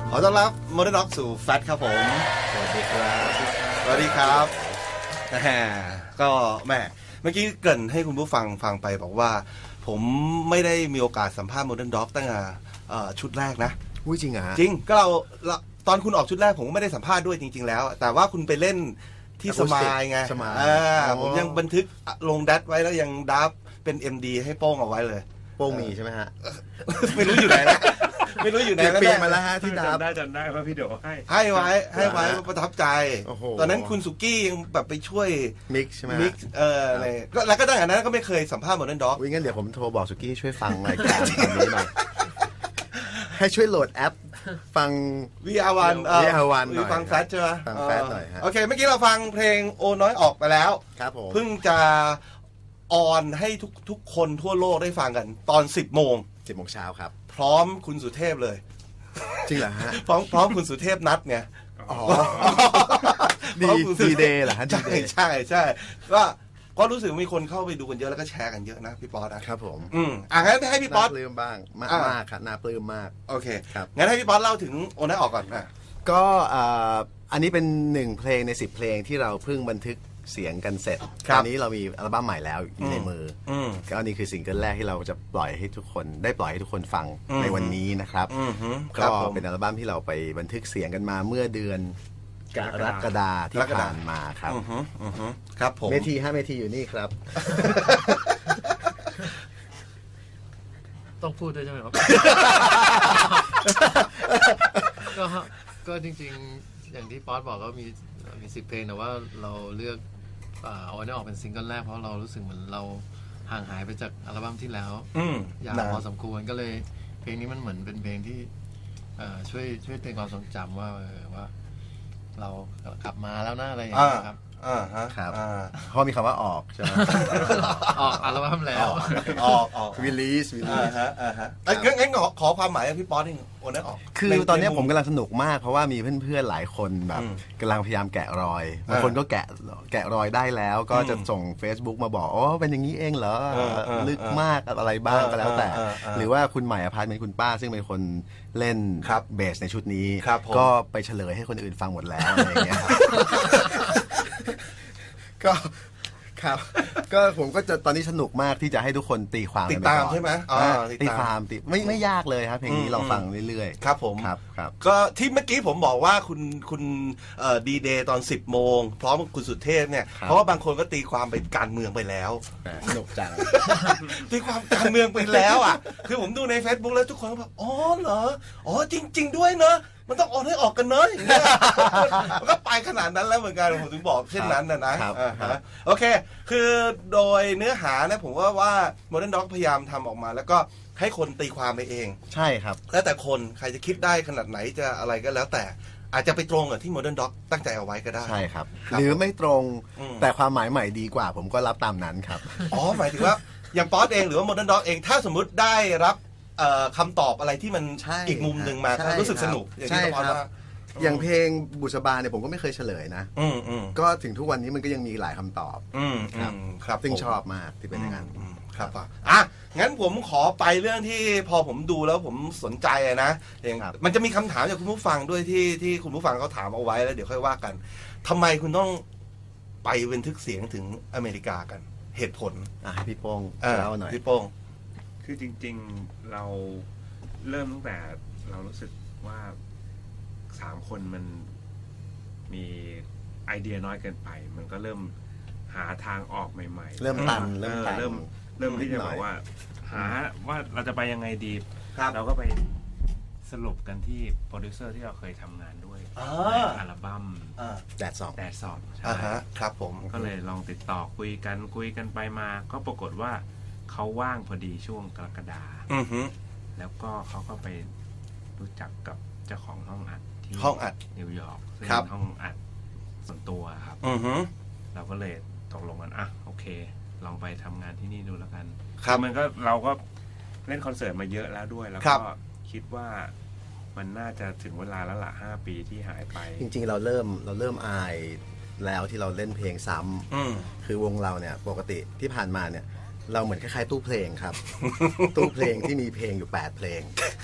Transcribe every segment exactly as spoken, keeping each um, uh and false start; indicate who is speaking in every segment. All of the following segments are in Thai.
Speaker 1: ขอต้อนรับ Modern Dog สู่แฟตครับผมสวัสดีครับสวัสดีครับแหมก็แม่เมื่อกี้เกริ่นให้คุณผู้ฟังฟังไปบอกว่าผมไม่ได้มีโอกาสสัมภาษณ์ Modern Dog ตั้งแต่ชุดแรกนะ
Speaker 2: อุ้ยจริงอ่ะ
Speaker 1: จริงก็เราตอนคุณออกชุดแรกผมก็ไม่ได้สัมภาษณ์ด้วยจริงๆแล้วแต่ว่าคุณไปเล่นที่สมายไงผมยังบันทึกลงดัตไว้แล้วยังดับเป็น เอ็ม ดี ให้โป้งเอาไว้เลย
Speaker 2: โป้งมีใช่ไหมฮะ
Speaker 1: ไม่รู้อยู่ไหนแล้วไม่รู้อยู่ไหนแล้ว
Speaker 2: เปลี่ยนมาแล้วฮะที่ดับ
Speaker 3: ได้จำได้ว่าพี่เด๋อให้
Speaker 1: ให้ไว้ให้ไว้ประทับใจตอนนั้นคุณสุกี้ยังแบบไปช่วย
Speaker 2: มิกใช่ไหม
Speaker 1: มิกเอออะไรก็แล้วก็ตั้งแต่นั้นก็ไม่เคยสัมภาษณ์ Modern Dog
Speaker 2: วิ่งงั้นเดี๋ยวผมโทรบอกสุกี้ช่วยฟังรายการตอนนี้หน่อยให้ช่วยโหลดแอปฟัง
Speaker 1: วี อาร์ วัน
Speaker 2: วี อาร์ วัน หน่อย
Speaker 1: ฟังแฟชใช่ไหม
Speaker 2: ฟังแฟชหน่อยฮะ
Speaker 1: โอเคเมื่อกี้เราฟังเพลงโอน้อยออกไปแล้ว
Speaker 2: ครับผม
Speaker 1: เพิ่งจะออนให้ทุกทุกคนทั่วโลกได้ฟังกันตอนสิบโมง
Speaker 2: สิบโมงเช้าครับ
Speaker 1: พร้อมคุณสุเทพเลย
Speaker 2: จริงเหรอฮะ
Speaker 1: พร้อมพร้อมคุณสุเทพนัดไง
Speaker 2: อ๋อดีดีเดย์เหรอฮะ
Speaker 1: ใช่ใช่ใช่ก็ก็รู้สึกมีคนเข้าไปดูกันเยอะแล้วก็แชร์กันเยอะนะพี่ป๊อตนะครับ
Speaker 2: ผม
Speaker 1: อืมอ่ะงั้นให้พี่ป๊อต
Speaker 2: น่าปลื้มบ้างมากมากครับน่าปลื้มมาก
Speaker 1: โอเคครับงั้นให้พี่ป๊อตเล่าถึงโอน้อยออกก่อนนะ
Speaker 2: ก็อันนี้เป็นหนึ่งเพลงในสิบเพลงที่เราเพิ่งบันทึกเสียงกันเสร็จตอนนี้เรามีอัลบั้มใหม่แล้วอยู่ในมือก็อันนี้คือซิงเกิลแรกที่เราจะปล่อยให้ทุกคนได้ปล่อยให้ทุกคนฟังในวันนี้นะครับก็เป็นอัลบั้มที่เราไปบันทึกเสียงกันมาเมื่อเดือนกรกฎาคมที่ผ่านมาครับ
Speaker 1: ครับผม
Speaker 2: เมทีฮะเมทีอยู่นี่ครับ
Speaker 4: ต้องพูดด้วยใช่ไหมครับก็ก็จริงๆอย่างที่ป๊อตบอกก็มีมีสิบเพลงแต่ว่าเราเลือกเอาอันนี้ออกเป็นซิงเกิลแรกเพราะเรารู้สึกเหมือนเราห่างหายไปจากอัลบั้มที่แล้วยาวพอสมควรก็เลยเพลงนี้มันเหมือนเป็นเพลงที่ช่วยช่วยเตือนความทรงจำว่าว่าเรากลับมาแล้วนะอะไรอย่างเงี้ยครับ
Speaker 2: อ่าฮะครับเพราะมีคำว่าออกใช่ไหม
Speaker 4: ออกอัลบั้มแล้ว
Speaker 1: ออกออก
Speaker 2: วิลีสวิลีส
Speaker 1: อ่าฮะอ่าฮะงั้นงั้นขอความหมายพี่ป๊อตนี่โอนนั้นออก
Speaker 2: คือตอนนี้ผมกำลังสนุกมากเพราะว่ามีเพื่อนๆหลายคนแบบกำลังพยายามแกะรอยบางคนก็แกะแกะรอยได้แล้วก็จะส่ง Facebook มาบอกอ๋อเป็นอย่างนี้เองเหรอลึกมากอะไรบ้างก็แล้วแต่หรือว่าคุณใหม่อภัยเป็นคุณป้าซึ่งเป็นคนเล่นเบสในชุดนี้ก็ไปเฉลยให้คนอื่นฟังหมดแล้วอะไรอย่างเงี้ยก็ครับก็ผมก็จะตอนนี้สนุกมากที่จะให้ทุกคนตีความ
Speaker 1: ติดตามใช่ไหม
Speaker 2: ตีความติดไม่ไม่ยากเลยครับเพลงนี้ลองฟังเรื่อย
Speaker 1: ๆครับผม
Speaker 2: ครับครับ
Speaker 1: ก็ที่เมื่อกี้ผมบอกว่าคุณคุณดีเดย์ตอนสิบโมงพร้อมคุณสุเทพเนี่ยเพราะว่าบางคนก็ตีความไปการเมืองไปแล้ว
Speaker 2: สนุกจัง
Speaker 1: ตีความการเมืองไปแล้วอ่ะคือผมดูใน Facebook แล้วทุกคนก็แบบอ๋อเหรออ๋อจริงๆด้วยเนอะมันต้องออนให้ออกกันเนอะอย่างเงี้ยมันก็ไปขนาดนั้นแล้วเหมือนกันผมถึงบอกเช่นนั้นนะนะโอเคคือโดยเนื้อหานะผมว่าว่า Modern Dog พยายามทำออกมาแล้วก็ให้คนตีความไปเอง
Speaker 2: ใช่ครับ
Speaker 1: แล้วแต่คนใครจะคิดได้ขนาดไหนจะอะไรก็แล้วแต่อาจจะไปตรงกับที่ Modern Dog ตั้งใจเอาไว้ก็ได้
Speaker 2: ใช่ครับหรือไม่ตรงแต่ความหมายใหม่ดีกว่าผมก็รับตามนั้นครับ
Speaker 1: อ๋อหมายถึงว่าอย่างป๊อตเองหรือว่า Modern Dog เองถ้าสมมุติได้รับคำตอบอะไรที่มันอีกมุมหนึ่งมารู้สึกสนุกอย่างที่ป๊อตว่า
Speaker 2: อย่างเพลงบุษบาเนี่ยผมก็ไม่เคยเฉลยนะก็ถึงทุกวันนี้มันก็ยังมีหลายคำตอบ
Speaker 1: ครับ
Speaker 2: ซึ่งชอบมากที่เป็นอย่างนั้น
Speaker 1: ครับอ่ะงั้นผมขอไปเรื่องที่พอผมดูแล้วผมสนใจนะอย่างมันจะมีคำถามจากคุณผู้ฟังด้วยที่ที่คุณผู้ฟังเขาถามเอาไว้แล้วเดี๋ยวค่อยว่ากันทำไมคุณต้องไปบันทึกเสียงถึงอเมริกากันเหตุผล
Speaker 2: อ่ะให้พี่โป้งเล่าหน่อย
Speaker 1: พี่โป้ง
Speaker 3: คือจริงๆเราเริ่มตั้งแต่เรารู้สึกว่าสามคนมันมีไอเดียน้อยเกินไปมันก็เริ่มหาทางออกใหม่ๆ
Speaker 2: เริ่มตันเริ่มตัน
Speaker 3: เริ่มเริ่มที่จะบอกว่าหาว่าเราจะไปยังไงดีเราก็ไปสรุปกันที่โปรดิวเซอร์ที่เราเคยทำงานด้วยในอัลบั้ม
Speaker 2: แดดสอบ
Speaker 3: แดดสอบ
Speaker 1: ใช่ครับผม
Speaker 3: ก็เลยลองติดต่อคุยกันคุยกันไปมาก็ปรากฏว่าเขาว่างพอดีช่วงกรกฎาคมแล้วก็เขาก็ไปรู้จักกับเจ้าของห้องอัดที่
Speaker 1: ห้องอัด
Speaker 3: นิวยอร์กซึ่งห้องอัดส่วนตัวครับเราก็เลยตกลงกันอ่ะโอเคลองไปทำงานที่นี่ดูแล้วกัน
Speaker 1: ครับ
Speaker 3: มันก็เราก็เล่นคอนเสิร์ตมาเยอะแล้วด้วยแล้วก็คิดว่ามันน่าจะถึงเวลาแล้วล่ะห้าปีที่หายไป
Speaker 2: จริงๆเราเริ่มเราเริ่มอายแล้วที่เราเล่นเพลงซ้ำคือวงเราเนี่ยปกติที่ผ่านมาเนี่ยเราเหมือนคล้ายๆตู้เพลงครับตู้เพลงที่มีเพลงอยู่แปดเพลง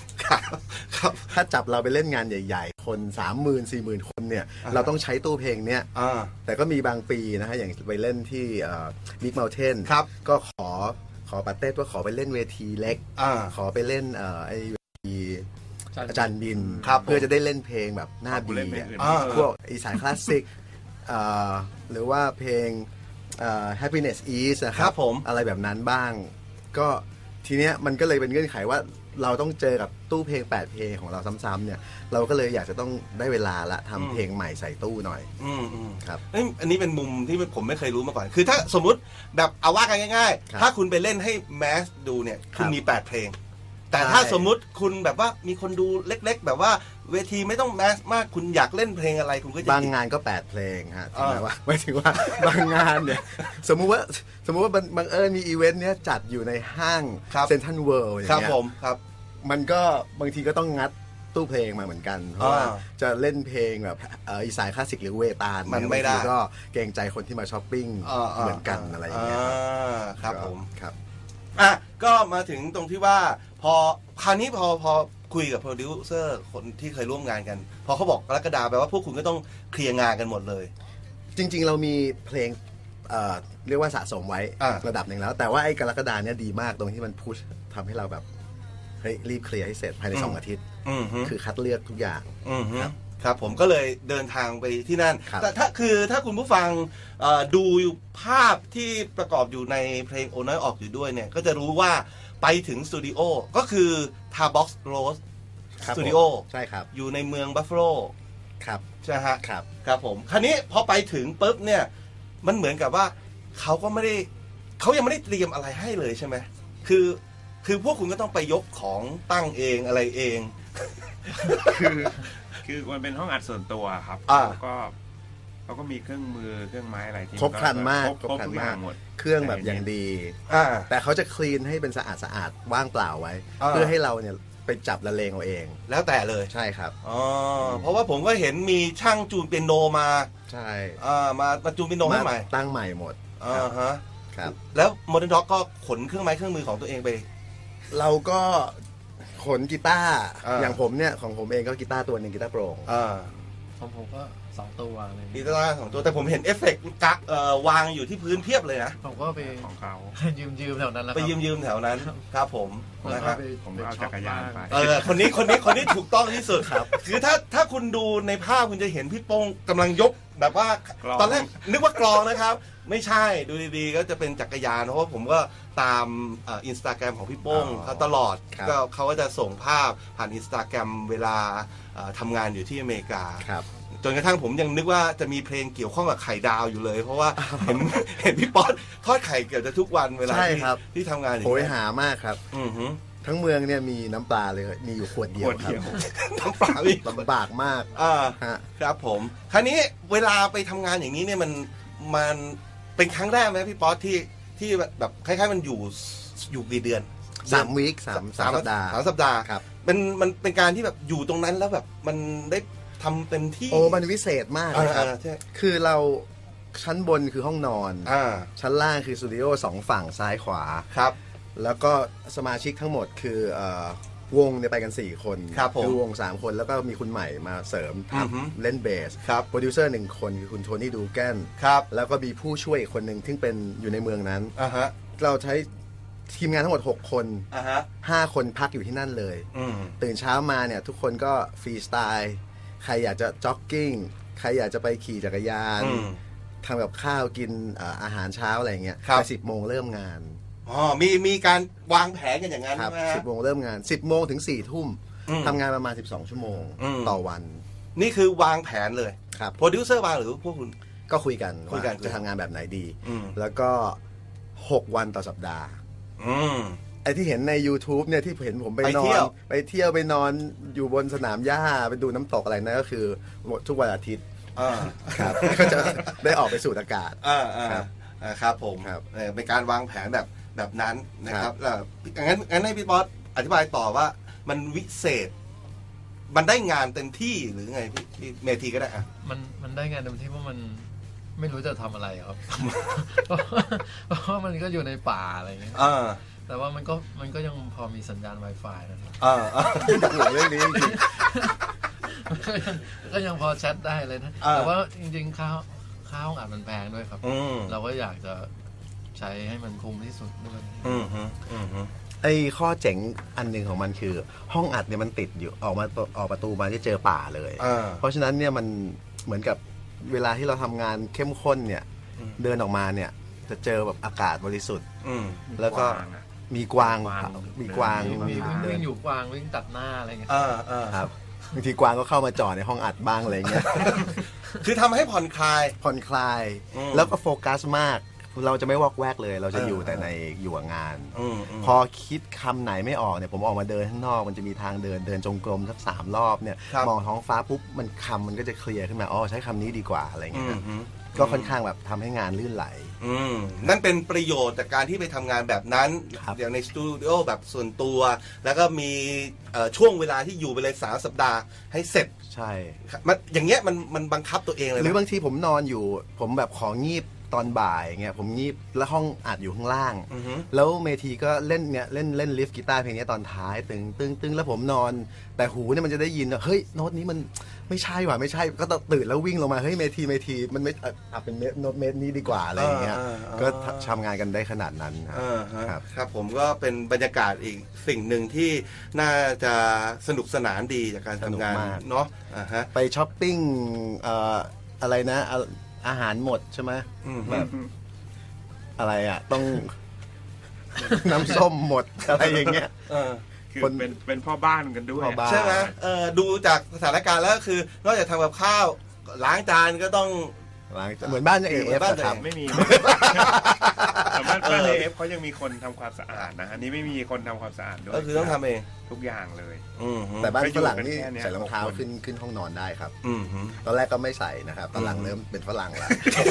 Speaker 1: ครับ
Speaker 2: ถ้าจับเราไปเล่นงานใหญ่ๆ คนสามหมื่นสี่หมื่นคนเนี่ย
Speaker 1: อ่า
Speaker 2: เราต้องใช้ตู้เพลงเนี้ย
Speaker 1: อ่า
Speaker 2: แต่ก็มีบางปีนะฮะอย่างไปเล่นที่บิ๊กเมลเทน
Speaker 1: ครับ
Speaker 2: ก็ขอขอปาเต้ว่าขอไปเล่นเวทีเล็ก
Speaker 1: อ่า
Speaker 2: ขอไปเล่นเอ่อไอเวที
Speaker 4: อาจารย์
Speaker 2: อาจารย์บิน
Speaker 1: ครับ
Speaker 2: เพื่อจะได้เล่นเพลงแบบหน้า
Speaker 3: ผู้
Speaker 2: บี
Speaker 3: เล่นเพลงอื่น
Speaker 1: อ่า
Speaker 2: พวกอีสานคลาสสิกเอ่อหรือว่าเพลงเอ่อ happiness is นะค
Speaker 1: ครั
Speaker 2: รั
Speaker 1: บบ ผม
Speaker 2: อะไรแบบนั้นบ้าง ก็ทีเนี้ยมันก็เลยเป็นเงื่อนไขว่าเราต้องเจอกับตู้เพลงแปดเพลงของเราซ้ำๆเนี่ยเราก็เลยอยากจะต้องได้เวลาละทำเพลงใหม่ใส่ตู้หน่อย
Speaker 1: อืมอืม
Speaker 2: ครับ
Speaker 1: เอ้ยอันนี้เป็นมุมที่ผมไม่เคยรู้มาก่อน คือถ้าสมมุติแบบเอาว่ากันง่าย
Speaker 2: ครับ
Speaker 1: ๆ ถ้าคุณไปเล่นให้แมสดูเนี่ยคุณ
Speaker 2: ครับ
Speaker 1: มีแปดเพลง แต่
Speaker 2: ใช่
Speaker 1: ถ้าสมมุติคุณแบบว่ามีคนดูเล็ก ๆ แบบว่าเวทีไม่ต้องแมสมากคุณอยากเล่นเพลงอะไรคุณก็จะ
Speaker 2: บาง
Speaker 1: หยิบ
Speaker 2: งานก็แปดเพลงฮะถึงแม้
Speaker 1: อ่า
Speaker 2: ว่าหมายถึงว่า บางงานเนี่ยสมมุติว่าสมมุติว่าบังบังเอิญมีอีเวนต์เนี้ยจัดอยู่ในห้าง
Speaker 1: ครับ
Speaker 2: เซ็นทรัลเวิลด์อย่าง
Speaker 1: ครับ
Speaker 2: เงี้ย
Speaker 1: ผมครับ
Speaker 2: มันก็บางทีก็ต้องงัดตู้เพลงมาเหมือนกัน เพราะว่า
Speaker 1: อ่า
Speaker 2: จะเล่นเพลงแบบเอ่ออีสานคลาสสิกหรือเวตาล
Speaker 1: มันไม่ได้
Speaker 2: บางทีก็เกรงใจคนที่มาช้อปปิ้ง
Speaker 1: อ่า
Speaker 2: เหมือนกันอะไรอย่างเงี้ยครับ
Speaker 1: อ่าครับ
Speaker 2: ก็
Speaker 1: ผม
Speaker 2: ครับ
Speaker 1: อ่ะก็มาถึงตรงที่ว่าพอคราวนี้พอพอคุยกับโปรดิวเซอร์คนที่เคยร่วมงานกัน พอเขาบอกกรกฎาแปลว่าพวกคุณก็ต้องเคลียร์งานกันหมดเลย
Speaker 2: จริงๆเรามีเพลงเอ่อเรียกว่าสะสมไว้
Speaker 1: อ่า
Speaker 2: ระดับหนึ่งแล้ว แต่ว่าไอ้กรกฎาเนี่ยดีมากตรงที่มันพุชทำให้เราแบบเฮ้ยรีบเคลียร์ให้เสร็จภายในสองอาทิตย์
Speaker 1: อืมฮึ
Speaker 2: คือคัดเลือกทุกอย่าง
Speaker 1: อืมฮึ
Speaker 2: ครับ
Speaker 1: ครับผมก็เลยเดินทางไปที่นั่น
Speaker 2: ครับ
Speaker 1: แต่ถ้าคือถ้าคุณผู้ฟังเอ่อดูภาพที่ประกอบอยู่ในเพลงโอน้อยออกอยู่ด้วยเนี่ย ก็จะรู้ว่าไปถึงสตูดิโอก็คือ Tarbox Rose
Speaker 2: ครับ
Speaker 1: สตูดิโอ
Speaker 2: ผมใช่ครับ
Speaker 1: อยู่ในเมืองบัฟฟาโล
Speaker 2: ครับ
Speaker 1: ใช่ไหมฮะ
Speaker 2: ครับ
Speaker 1: ครับผม คราวนี้พอไปถึงปุ๊บเนี่ย มันเหมือนกับว่าเขาก็ไม่ได้เขายังไม่ได้เตรียมอะไรให้เลยใช่ไหมคือ คือพวกคุณก็ต้องไปยกของตั้งเองอะไรเอง
Speaker 3: คือคือมันเป็นห้องอัดส่วนตัวครับ
Speaker 1: อ่า
Speaker 3: แล้วก็เขาก็มีเครื่องมือเครื่องไม้อะไรที่
Speaker 2: ครบครันมาก
Speaker 3: ครบ
Speaker 2: ครบ
Speaker 3: ครบ
Speaker 2: ครัน
Speaker 3: ทุกอย่าม
Speaker 2: าง ก
Speaker 3: หมด
Speaker 2: เครื่องแบบอย่างดี
Speaker 1: อ่า
Speaker 2: แต่เขาจะคลีนให้เป็นสะอาดสะอาดว่างเปล่าไว้
Speaker 1: อ่า
Speaker 2: เพื่อให้เราเนี่ยไปจับละเลงเอาเอง
Speaker 1: แล้วแต่เลย
Speaker 2: ใช่ครับ
Speaker 1: อ๋อเพราะว่าผมก็เห็นมีช่างจูนเปียโนมา
Speaker 2: ใช่
Speaker 1: อ่ามามาจูนเปียโนให้ใหม่
Speaker 2: ตั้งใหม่หมด
Speaker 1: อ่าฮะ
Speaker 2: ครับ
Speaker 1: แล้วโมเดิร์นด็อกก็ขนเครื่องไม้เครื่องมือของตัวเองไป
Speaker 2: เราก็ขนกีตาร์
Speaker 1: อ่า
Speaker 2: อย่างผมเนี่ยของผมเองก็กีตาร์ตัวหนึ่งกีตาร์โปร่ง
Speaker 1: อ่า
Speaker 4: ของผมก็สองตัวอะไรอย่าง
Speaker 1: กี
Speaker 4: เงี้ย
Speaker 1: ตาร์สองตัวแต่ผมเห็นเอฟเฟกต์กะเอ่อวางอยู่ที่พื้นเพียบเลยนะ
Speaker 4: ผมก็ไป
Speaker 3: ของเขา
Speaker 4: ยืมยืมๆแถวนั้นแล้วค
Speaker 1: ไป
Speaker 4: รับ
Speaker 1: ยืมยืมๆแถวนั้นครับผม
Speaker 4: แล้ว
Speaker 1: นะ
Speaker 4: ก็
Speaker 1: ครับ
Speaker 4: ไป
Speaker 3: ผม
Speaker 4: ไป
Speaker 3: ก็เอา
Speaker 4: ช็
Speaker 3: จั
Speaker 4: อป
Speaker 3: กรยานไป
Speaker 1: เออคนนี้คนนี้คนนี้ถูกต้องที่สุดครับ คือถ้าถ้าคุณดูในภาพคุณจะเห็นพี่โป้งกำลังยกแบบว่าก
Speaker 3: ลอง
Speaker 1: ตอนแรกนึกว่ากลองนะครับ ไม่ใช่ดูดีๆ ก็จะเป็นจักรยานเพราะว่าผมก็ตามอินสตาแกรมของพี่โป้ง
Speaker 2: อ๋อ
Speaker 1: เขาตลอด
Speaker 2: ครับ
Speaker 1: ก็เขาก็จะส่งภาพผ่านอินสตาแกรมเวลาเอ่อทำงานอยู่ที่อเมริกา
Speaker 2: ครับ
Speaker 1: จนกระทั่งผมยังนึกว่าจะมีเพลงเกี่ยวข้องกับไข่ดาวอยู่เลย เพราะว่าเห็นเห็นพี่ป๊อตทอดไข่เกือบจะทุกวันเวลา
Speaker 2: ใช่
Speaker 1: ที่
Speaker 2: ครับ
Speaker 1: ที่ทำงานอยู่
Speaker 2: โหย
Speaker 1: ที่นั่น
Speaker 2: หามากครับ
Speaker 1: อือหือ
Speaker 2: ทั้งเมืองเนี่ยมีน้ำปลาเลยมีอยู่ขวดเดียว
Speaker 3: ขวด
Speaker 2: ครับ
Speaker 3: เดียว
Speaker 1: น้ำปลาพี่
Speaker 2: ลำบากมาก
Speaker 1: อ่า
Speaker 2: ฮะ
Speaker 1: ครับผม คราวนี้เวลาไปทำงานอย่างนี้เนี่ยมันมันเป็นครั้งแรกไหมพี่ป๊อตที่ที่แบบคล้ายๆมันอยู่อยู่กี่เดือน
Speaker 2: สามวีคสามสามสัปดาห์
Speaker 1: สามสัปดาห์
Speaker 2: ครับ
Speaker 1: มันมันเป็นการที่แบบอยู่ตรงนั้นแล้วแบบมันได้ทำเต็มที่
Speaker 2: โอ้มันวิเศษมาก
Speaker 1: อ่า
Speaker 2: เลยครับ
Speaker 1: อ่าใช่
Speaker 2: คือเราชั้นบนคือห้องนอน
Speaker 1: อ่า
Speaker 2: ชั้นล่างคือสตูดิโอสองฝั่งซ้ายขวา
Speaker 1: ครับ
Speaker 2: แล้วก็สมาชิกทั้งหมดคือเอ่อวงเนี่ยไปกัน สี่ คน
Speaker 1: ครับผม
Speaker 2: อวง สาม คนแล้วก็มีคุณใหม่มาเสริม
Speaker 1: อือฮึ
Speaker 2: ทำเล่นเบส
Speaker 1: ครับ
Speaker 2: โปรดิวเซอร์หนึ่งคนคือคุณโทนี่ดูแกน
Speaker 1: ครับ
Speaker 2: แล้วก็มีผู้ช่วยอีกคนหนึ่งที่เป็นอยู่ในเมืองนั้น
Speaker 1: อ่าฮะ
Speaker 2: เราใช้ทีมงานทั้งหมด หก คน
Speaker 1: อ่าฮะ
Speaker 2: ห้า คนพักอยู่ที่นั่นเลย
Speaker 1: อืม
Speaker 2: ตื่นเช้ามาเนี่ยทุกคนก็ฟรีสไตล์ใครอยากจะจ็อกกิ้งใครอยากจะไปขี่จักรยาน
Speaker 1: อืม
Speaker 2: ทำกับข้าวกินเอ่ออาหารเช้าอะไรเงี้ย
Speaker 1: ครับ
Speaker 2: ไปสิบโมงเริ่มงาน
Speaker 1: อ๋อมีมีการวางแผนกันอย่างนั้น
Speaker 2: ครั
Speaker 1: ใช่
Speaker 2: บ
Speaker 1: ไหมฮะ
Speaker 2: สิบโมงเริ่มงานสิบโมงถึงสี่ทุ่ม
Speaker 1: อืม
Speaker 2: ทำงานประมาณสิบสองชั่วโมง
Speaker 1: อืม
Speaker 2: ต่อวัน
Speaker 1: นี่คือวางแผนเลย
Speaker 2: ครับ
Speaker 1: โปรดิวเซอร์วางหรือพวกคุณ
Speaker 2: ก็คุยกัน
Speaker 1: คุยกัน
Speaker 2: ว่าจะทำงานแบบไหนดี
Speaker 1: อืม
Speaker 2: แล้วก็หกวันต่อสัปดาห์
Speaker 1: อืม
Speaker 2: ไอ้ที่เห็นใน YouTube เนี่ยที่เห็นผมไป
Speaker 1: ไป
Speaker 2: นอ
Speaker 1: เที่
Speaker 2: น
Speaker 1: ยว
Speaker 2: ไปเที่ยวไปนอนอยู่บนสนามหญ้าไปดูน้ำตกอะไรนั่นก็คือทุกวันอาทิตย์
Speaker 1: อ่า
Speaker 2: ครับ ก็จะได้ออกไปสูดอากาศ
Speaker 1: อ่าอ่า
Speaker 2: ครับ
Speaker 1: อ่าครับผม
Speaker 2: ครับ
Speaker 1: เออเป็นการวางแผนแบบแบบนั้นนะค
Speaker 2: ครั
Speaker 1: รับบ แล้วงั้นงั้นให้พี่บอสอธิบายต่อว่ามันวิเศษ มันได้งานเต็มที่หรือไงพี่พี่เมทีก็ได้อ่ะ
Speaker 4: มันมันได้งานเต็มที่เพราะมันไม่รู้จะทำอะไรครับ เพราะว่ามันก็อยู่ในป่าอะไรอย่างเงี้ย
Speaker 1: อ่า
Speaker 4: แต่ว่ามันก็มันก็ยังพอมีสัญญาณ Wi-Fi นะครับ
Speaker 1: อ่าอ่า
Speaker 2: ห่วงเรื่องนี้จริง
Speaker 4: ก็ยังก็ยังพอแชทได้เลยนะ
Speaker 1: อ่า
Speaker 4: แต่ว่าจริงๆค่าค่าห้องอัดมันแพงด้วยครับ
Speaker 1: อืม
Speaker 4: เราก็อยากจะใช้ให้มันคุ้มที่สุดด้วย
Speaker 1: อืมฮึอืมฮึ
Speaker 2: ไอ้ข้อเจ๋งอันหนึ่งของมันคือ ห้องอัดเนี่ยมันติดอยู่ออกมาออกประตูมาจะเจอป่าเลย
Speaker 1: อ่า
Speaker 2: เพราะฉะนั้นเนี่ยมันเหมือนกับเวลาที่เราทำงานเข้มข้นเนี่ย
Speaker 1: อืม
Speaker 2: เดินออกมาเนี่ยจะเจอแบบอากาศบริสุทธิ์
Speaker 1: อืม
Speaker 2: แล้วก็
Speaker 3: กวางอะ
Speaker 2: มีกวาง
Speaker 3: กวาง
Speaker 2: มีกวาง
Speaker 4: มีมีวิ่ง
Speaker 2: เดิ
Speaker 4: วิ่
Speaker 2: น
Speaker 4: งอยู่กวางวิ่งตัดหน้าอะไรเงี้ย
Speaker 1: อ่าอ่า
Speaker 2: ครับบางทีกวางก็เข้ามาจอดในห้องอัดบ้างอะไรเงี้ย
Speaker 1: คือทำให้ผ่อนคลาย
Speaker 2: ผ่อนคลาย
Speaker 1: อืม
Speaker 2: แล้วก็โฟกัสมาก เราจะไม่วอกแวกเลย เราจะ
Speaker 1: เออ
Speaker 2: อ
Speaker 1: อ
Speaker 2: ยู่แต่ในอยู่กับงาน
Speaker 1: อืมอืม
Speaker 2: พอคิดคำไหนไม่ออกเนี่ยผมออกมาเดินข้างนอกมันจะมีทางเดินเดินจงกรมสักสามรอบเนี่ย
Speaker 1: ครับ
Speaker 2: มองท้องฟ้าปุ๊บมันคำมันก็จะเคลียร์ขึ้นมาอ๋อใช้คำนี้ดีกว่าอะไร
Speaker 1: อื
Speaker 2: เงี้ย
Speaker 1: ม
Speaker 2: ครับ
Speaker 1: ฮึ
Speaker 2: ก็ค่อนข้างแบบทำให้งานลื่นไหล
Speaker 1: อืมนั่นเป็นประโยชน์จากการที่ไปทำงานแบบนั้น
Speaker 2: ครับ
Speaker 1: อย่างในสตูดิโอแบบส่วนตัว แล้วก็มีเอ่อช่วงเวลาที่อยู่ไปเลยสามสัปดาห์ให้เสร็จ
Speaker 2: ใช่
Speaker 1: มันอย่างเงี้ยมันมันบังคับตัวเองเลย
Speaker 2: หรื
Speaker 1: นะ
Speaker 2: อบางทีผมนอนอยู่ ผมแบบของีบตอนบ่ายเงี้ยผมงีบแล้วห้องอัดอยู่ข้างล่าง
Speaker 1: อือฮึ
Speaker 2: แล้วเมทีก็เล่นเนี่ยเล่นเล่นลิฟกีตาร์เพลงนี้ตอนท้ายตึงตึงตึงแล้วผมนอน แต่หูเนี่ยมันจะได้ยินว่าเฮ้ยโน้ตนี้มันไม่ใช่ว่ะไม่ใช่ก็ต้องตื่นแล้ววิ่งลงมาเฮ้ยเมทีเมทีมันไม่อ่ะอ่ะเป็นเมโน้ตเมทนี้ดีกว่าอะไรอย่างเงี้ย
Speaker 1: อ่าอ่า
Speaker 2: ก็ทำงานกันได้ขนาดนั้นครับ
Speaker 1: อ่าฮะ
Speaker 2: ครับ
Speaker 1: ครับผมก็เป็นบรรยากาศอีกสิ่งหนึ่งที่น่าจะสนุกสนานดีจากการทำงานเนาะอ่าฮะ
Speaker 2: ไปช้อปปิ้งเอ่ออะไรนะอ่ะอาหารหมดใช่ไหม
Speaker 1: อืม
Speaker 2: แบบอะไรอ่ะต้อง น้ำส้มหมดอะไรอย่างเงี้ย
Speaker 1: เออ
Speaker 3: คือ
Speaker 2: คน
Speaker 3: เป็นเป็นพ่อบ้านกันด้วย
Speaker 2: พ่อบ้าน
Speaker 1: ใช่ไหมเออดูจากสถานการณ์แล้วก็คือ นอกจากทำกับข้าวล้างจานก็ต้อง
Speaker 2: ล้างเหมือนบ้านเอ
Speaker 1: เหมื
Speaker 2: ฟ
Speaker 1: อนบ้าน
Speaker 2: ครับ
Speaker 3: ไม่มีแต่บ้านบ้านเอฟเขายังมีคนทำความสะอาดนะอันนี้ไม่มีคนทำความสะอาดด้วย
Speaker 1: ก็คือต้องทำเอง
Speaker 3: ทุกอย่างเลย
Speaker 1: อืมฮึ
Speaker 2: แต่บ้าน
Speaker 3: ก็อยู่
Speaker 2: ฝรั่งนี่
Speaker 3: กันแค่เนี้ย
Speaker 2: ใส่รองเท้า
Speaker 3: หกคน
Speaker 2: ขึ้นขึ้นห้องนอนได้ครับ
Speaker 1: อืมฮึ
Speaker 2: ตอนแรกก็ไม่ใส่นะครับตอนหลังเริ่มเป็นฝรั่งแล้ว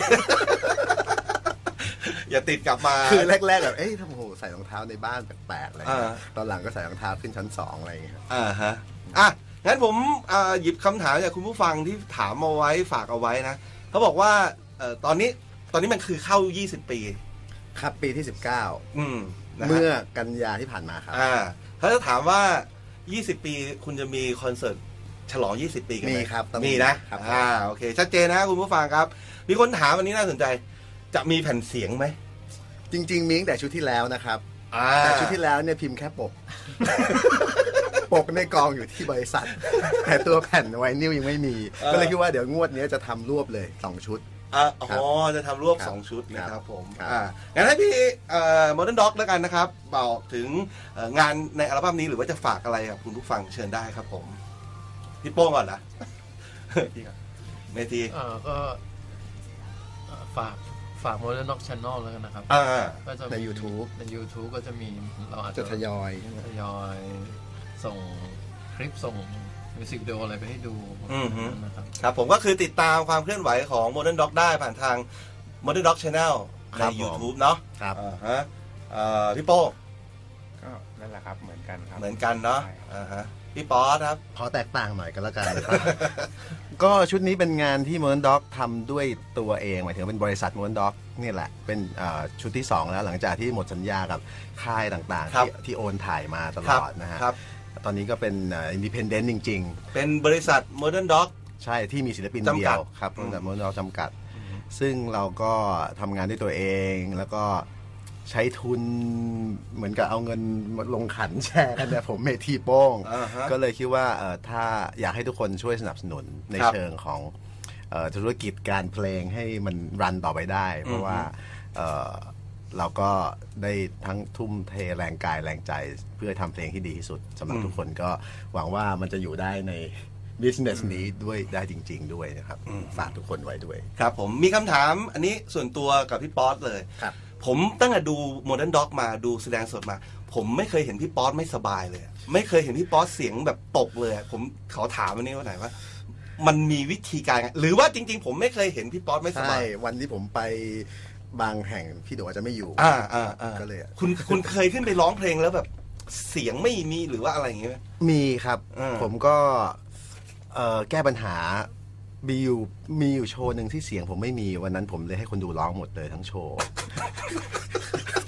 Speaker 1: อย่าติดกลับมา
Speaker 2: คือแรกๆแบบเอ้ยทำโหใส่รองเท้าในบ้านแปลกๆอะไรเงี้ย
Speaker 1: อ่า
Speaker 2: ตอนหลังก็ใส่รองเท้าขึ้นชั้นสองอะไรอย่างเงี้ยครับ
Speaker 1: อ่าฮะอ่ะงั้นผมอ่าหยิบคำถามจากคุณผู้ฟังที่ถามเอาไว้ฝากเอาไว้นะเขาบอกว่าเอ่อตอนนี้ตอนนี้มันคือเข้ายี่สิบปี
Speaker 2: ครับปีที่สิบเก้า
Speaker 1: อืมนะฮะ
Speaker 2: เมื่อกันยาที่ผ่านมาครับ
Speaker 1: อ่าเขาจะถามว่ายี่สิบปีคุณจะมีคอนเสิร์ตฉลองยี่สิบปีกันไหม
Speaker 2: มีครับต้องมี
Speaker 1: มีนะครับ อ่าโอเค ชัดเจนนะคุณผู้ฟังครับ มีคนถามวันนี้น่าสนใจ จะมีแผ่นเสียงไหม
Speaker 2: จริงๆมีตั้งแต่ชุดที่แล้วนะครับ
Speaker 1: อ่า
Speaker 2: แต่ชุดที่แล้วเนี่ยพิมพ์แค่ปก ปกในกองอยู่ที่บริษัท แต่ตัวแผ่นไวนิลยังไม่มี ก็เลยคิดว่าเดี๋ยวงวดนี้จะทำรวบเลยสองชุด
Speaker 1: อ่าอ๋อจะทำรวบ
Speaker 2: ครับ
Speaker 1: สองชุดนะครับผม
Speaker 2: ครับ
Speaker 1: อ่างั้นให้พี่เอ่อ Modern Dog แล้วกันนะครับบอกถึงเอ่องานในอัลบั้มนี้หรือว่าจะฝากอะไรกับคุณผู้ฟังเชิญได้ครับผมพี่โป้งก่อนนะ
Speaker 3: พี่ครับ
Speaker 1: เมที
Speaker 4: เออก็เอ่อฝากฝาก Modern Dog Channel แล้วกันนะครับ
Speaker 1: อ่า
Speaker 4: ก็จะมี
Speaker 2: ใน YouTube
Speaker 4: ใน YouTube ก็จะมีเราอาจ
Speaker 2: จะ
Speaker 4: จะ
Speaker 2: ทยอยใช่ไหม
Speaker 4: ทยอยส่งคลิปส่งมิวสิกวิดีโออะไรไปให้ดู
Speaker 1: อือฮึ
Speaker 4: นะครับ
Speaker 1: ครับผมก็คือติดตามความเคลื่อนไหวของ Modern Dog ได้ผ่านทาง Modern Dog Channel ใน
Speaker 2: ครับผม
Speaker 1: YouTube เนาะ
Speaker 2: ครับ
Speaker 1: อ่าฮะเอ่อพี่โป้ง
Speaker 3: ก็นั่นแหละครับเหมือนกันครับ
Speaker 1: เหมือนกันเนาะ
Speaker 3: ใช่ครับ
Speaker 1: อ่าฮะพี่ป๊อตครับ
Speaker 2: ขอแตกต่างหน่อยกันแล้วกันนะครับ ก็ชุดนี้เป็นงานที่ Modern Dog ทำด้วยตัวเองหมายถึงเป็นบริษัท Modern Dog นี่แหละ เป็นเอ่อชุดที่ สอง แล้วหลังจากที่หมดสัญญากับค่ายต่างๆ
Speaker 1: ครับ
Speaker 2: ที่ที่โอนถ่ายมาตล
Speaker 1: ครับ
Speaker 2: อดนะฮะ
Speaker 1: ครับ
Speaker 2: ตอนนี้ก็เป็นอินดิเพนเดนต์จริง
Speaker 1: เป็นบริษัท Modern Dog
Speaker 2: ๆ ใช่ที่มีศิลปิน
Speaker 1: จำ
Speaker 2: เดี
Speaker 1: กั
Speaker 2: ย
Speaker 1: ด
Speaker 2: วครับ
Speaker 1: อืม
Speaker 2: แต่ Modern Dog จำกัด ซึ่งเราก็ทำงานด้วยตัวเองแล้วก็ใช้ทุนเหมือนกับเอาเงินมาลงขันแชร์กันเนี่ยผมเมทีโป้ง
Speaker 1: อ่าฮะ
Speaker 2: ก็เลยคิดว่าเอ่อถ้าอยากให้ทุกคนช่วยสนับสนุนใน
Speaker 1: ครับ
Speaker 2: เชิงของเอ่อธุรกิจการเพลงให้มันรันต่อไปได้ เพราะว่าเอ่อเราก็ได้ทั้งทุ่มเทแรงกายแรงใจเพื่อทำเพลงที่ดีที่สุดสำหรับ
Speaker 1: อืม
Speaker 2: ทุกคนก็หวังว่ามันจะอยู่ได้ใน business นี้ด้วยได้จริง ๆ ด้วยนะครับ ฝากทุกคนไว้ด้วย
Speaker 1: ครับผมมีคำถามอันนี้ส่วนตัวกับพี่ป๊อตเลย
Speaker 2: ครับ
Speaker 1: ผมตั้งแต่ดู Modern Dog มาดูแสดงสดมา ผมไม่เคยเห็นพี่ป๊อตไม่สบายเลย ไม่เคยเห็นพี่ป๊อตเสียงแบบตกเลย ผมขอถามวันนี้ว่าไหนว่า มันมีวิธีการไงหรือว่าจริง ๆ ผมไม่เคยเห็นพี่ป๊อตไม่ส
Speaker 2: ใช่
Speaker 1: บาย
Speaker 2: วันที่ผมไปบางแห่งพี่โดอาจจะไม่อยู่
Speaker 1: อ่าอ่าอ่า
Speaker 2: ก็เลย
Speaker 1: คุณคุณเคยขึ้นไปร้องเพลงแล้วแบบเสียงไม่มีหรือว่าอะไรอย่างเงี้ยไหม
Speaker 2: มีครับ
Speaker 1: อ่า
Speaker 2: ผมก็เอ่อแก้ปัญหามีอยู่มีอยู่โชว์หนึ่งที่เสียงผมไม่มีวันนั้นผมเลยให้คนดูร้องหมดเลยทั้งโชว์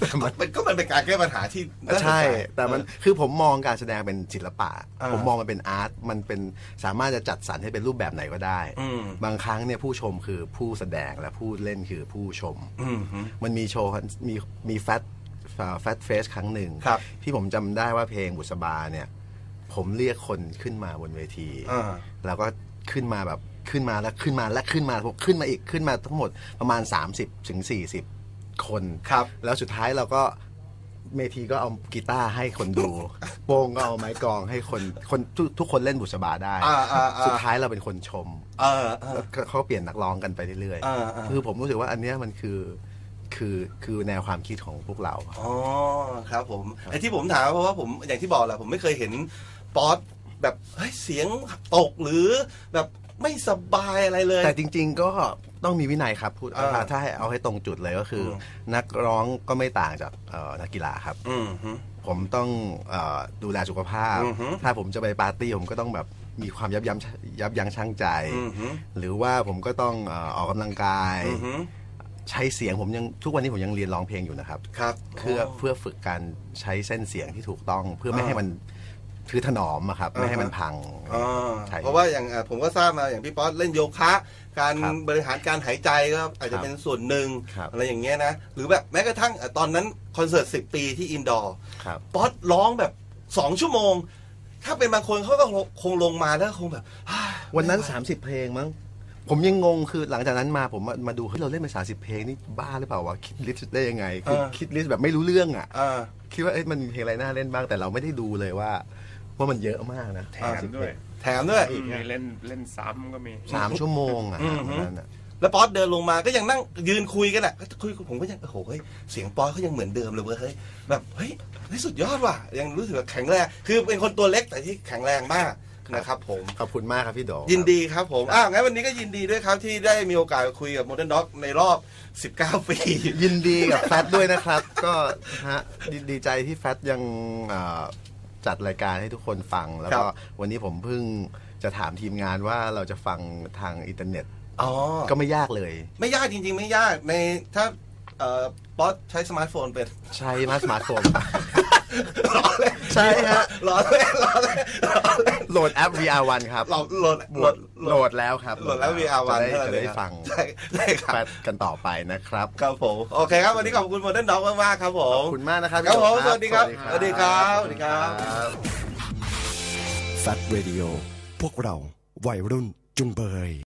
Speaker 2: มัน
Speaker 1: มันก็มันเป็นการแก้ปัญหาที่น่าสน
Speaker 2: ใช่
Speaker 1: ใจ
Speaker 2: แต่มันคือผมมองการแสดงเป็นศิลปะ
Speaker 1: อ่า
Speaker 2: ผมมองมันเป็นอาร์ตมันเป็นสามารถจะจัดสรรให้เป็นรูปแบบไหนก็ได้
Speaker 1: อืม
Speaker 2: บางครั้งเนี่ยผู้ชมคือผู้แสดงและผู้เล่นคือผู้ชม
Speaker 1: อืมฮึ
Speaker 2: มันมีโชว์มีมีแฟตแฟตเฟสครั้งหนึ่ง
Speaker 1: ครับ
Speaker 2: ที่ผมจำได้ว่าเพลงบุษบาเนี่ยผมเรียกคนขึ้นมาบนเวที
Speaker 1: อ่า
Speaker 2: แล้วก็ขึ้นมาแบบขึ้นมาแล้วขึ้นมาและขึ้นมาผมขึ้นมาอีกขึ้นมาทั้งหมดประมาณ สามสิบถึงสี่สิบ คน
Speaker 1: ครับ
Speaker 2: แล้วสุดท้ายเราก็เมทีก็เอากีตาร์ให้คนดู โป้งก็เอาไม้กลองให้คนคนทุกทุกคนเล่นบุษบาได้
Speaker 1: อ่าอ่าอ่า
Speaker 2: สุดท้ายเราเป็นคนชม
Speaker 1: เออเออ
Speaker 2: แล้วก็เขาเปลี่ยนนักร้องกันไปเรื่อย
Speaker 1: อ่าอ่า
Speaker 2: คือผมรู้สึกว่าอันเนี้ยมันคือคือคือแนวความคิดของพวกเรา
Speaker 1: อ๋อครับผมไอ้ที่ผมถามเพราะว่าผมอย่างที่บอกแหละผมไม่เคยเห็นป๊อตแบบเฮ้ยเสียงตกหรือแบบไม่สบายอะไรเลย
Speaker 2: แต่จริง ๆ ก็ต้องมีวินัยครับพูด
Speaker 1: อ่า
Speaker 2: ถ้าถ้าให้เอาให้ตรงจุดเลยก็คืออนักร้องก็ไม่ต่างจากเอ่อนักกีฬาครับ
Speaker 1: อืมฮึ
Speaker 2: ผมต้องเออดูแลสุขภาพ
Speaker 1: อือฮึ
Speaker 2: ถ้าผมจะไปปาร์ตี้ผมก็ต้องแบบมีความยับยั้งยับยั้งชั่งใจ
Speaker 1: อืมฮึ
Speaker 2: หรือว่าผมก็ต้องเอ่อออกกำลังกาย
Speaker 1: อืมฮึ
Speaker 2: ใช้เสียงผมยังทุกวันนี้ผมยังเรียนร้องเพลงอยู่นะครับ
Speaker 1: ครับ
Speaker 2: เพื่อเพื่อฝึกการใช้เส้นเสียงที่ถูกต้อง เพื่อไม่ให้มันคือถนอมอะครับ ไม่ให้มันพัง
Speaker 1: อ่า
Speaker 2: ใช่
Speaker 1: เพราะว่าอย่างอ่ะผมก็ทราบมาอย่างพี่ป๊อตเล่นโยคะ การ
Speaker 2: ครับ
Speaker 1: บริหารการหายใจก็อาจจะ
Speaker 2: ครับ
Speaker 1: เป็นส่วนหนึ่ง
Speaker 2: ครับ
Speaker 1: อะไรอย่างเงี้ยนะหรือแบบแม้กระทั่งอ่ะตอนนั้นคอนเสิร์ตสิบปีที่อินดอร์
Speaker 2: ครับ
Speaker 1: ป๊อตร้องแบบสองชั่วโมง ถ้าเป็นบางคนเขาก็คงลงมาแล้วคงแบบ
Speaker 2: วันนั้น สามสิบ เพลงมั้งผมยังงงคือหลังจากนั้นมาผมมามาดูเฮ้ยเราเล่นไปสามสิบเพลงนี่บ้าหรือเปล่าวะคิดลิสต์ได้ยังไงคือ
Speaker 1: เออ
Speaker 2: คิดลิสต์แบบไม่รู้เรื่องอ่ะ
Speaker 1: อ่า
Speaker 2: คิดว่าเอ๊ะมันมีเพลงอะไรน่าเล่นบ้างแต่เราไม่ได้ดูเลยว่าว่ามันเยอะมากนะ
Speaker 3: แถมด้วย
Speaker 1: แถมด้วย
Speaker 3: มีเล่นเล่นซ้ำก็มี
Speaker 2: สามชั่วโมงอ่ะ
Speaker 1: อืม
Speaker 2: วันนั้นอะ
Speaker 1: แล้วป๊อตเดินลงมาก็ยังนั่งยืนคุยกันอ่ะก็คุยผมก็ยังโอ้โหเฮ้ยเสียงป๊อตเขายังเหมือนเดิมเลยเว้ยเฮ้ยแบบเฮ้ยนี่สุดยอดว่ะยังรู้สึกว่าแข็งแรงคือเป็นคนตัวเล็กแต่ที่แข็งแรงมากนะครับผม
Speaker 2: ขอบคุณมากครับพี่โด
Speaker 1: ยินดีครับผมอ้าวงั้นวันนี้ก็ยินดีด้วยครับที่ได้มีโอกาสคุยกับ Modern Dog ในรอบ สิบเก้า ปี
Speaker 2: ยินดีกับแฟตด้วยนะครับ ก็ฮะดีดีใจที่แฟตยังเอ่อจัดรายการให้ทุกคนฟัง แล้วก็
Speaker 1: ครับ
Speaker 2: วันนี้ผมเพิ่งจะถามทีมงานว่าเราจะฟังทางอินเทอร์เน็ต
Speaker 1: อ๋อ
Speaker 2: ก็ไม่ยากเลย
Speaker 1: ไม่ยากจริง ๆ ไม่ยากในถ้าเอ่อป๊อตใช้สมาร์ทโฟนเป็น
Speaker 2: ใช้มาสมาร์ทโฟน
Speaker 1: รอเล่น
Speaker 2: ใช่ฮะ
Speaker 1: รอเล่นรอเล่นรอเล่น
Speaker 2: โหลดแอป วี อาร์ วัน ครับ
Speaker 1: เราโหลด
Speaker 2: โห
Speaker 1: โห
Speaker 2: ล
Speaker 1: ล
Speaker 2: ด
Speaker 1: ด
Speaker 2: โหลดแล้วครับ
Speaker 1: โหลดแล้ว วี อาร์ วัน
Speaker 2: จะได้
Speaker 1: เท่านั้น
Speaker 2: จะได้
Speaker 1: เอง
Speaker 2: ฟัง
Speaker 1: ใช่ได้ค
Speaker 2: แฟ
Speaker 1: รับ
Speaker 2: ตกันต่อไปนะครับ
Speaker 1: ครับผมโอเคครับวันนี้ขอบคุณ Modern Dog มากๆครับผ
Speaker 2: ข
Speaker 1: ม
Speaker 2: อบคุณมากนะครับ
Speaker 1: ครับผม
Speaker 2: พี่โด
Speaker 1: สวัสดีครับสวัสดีครับสวัสดีครับ
Speaker 2: บ
Speaker 5: Fat Radio พวกเราวัยรุ่นจุงเบย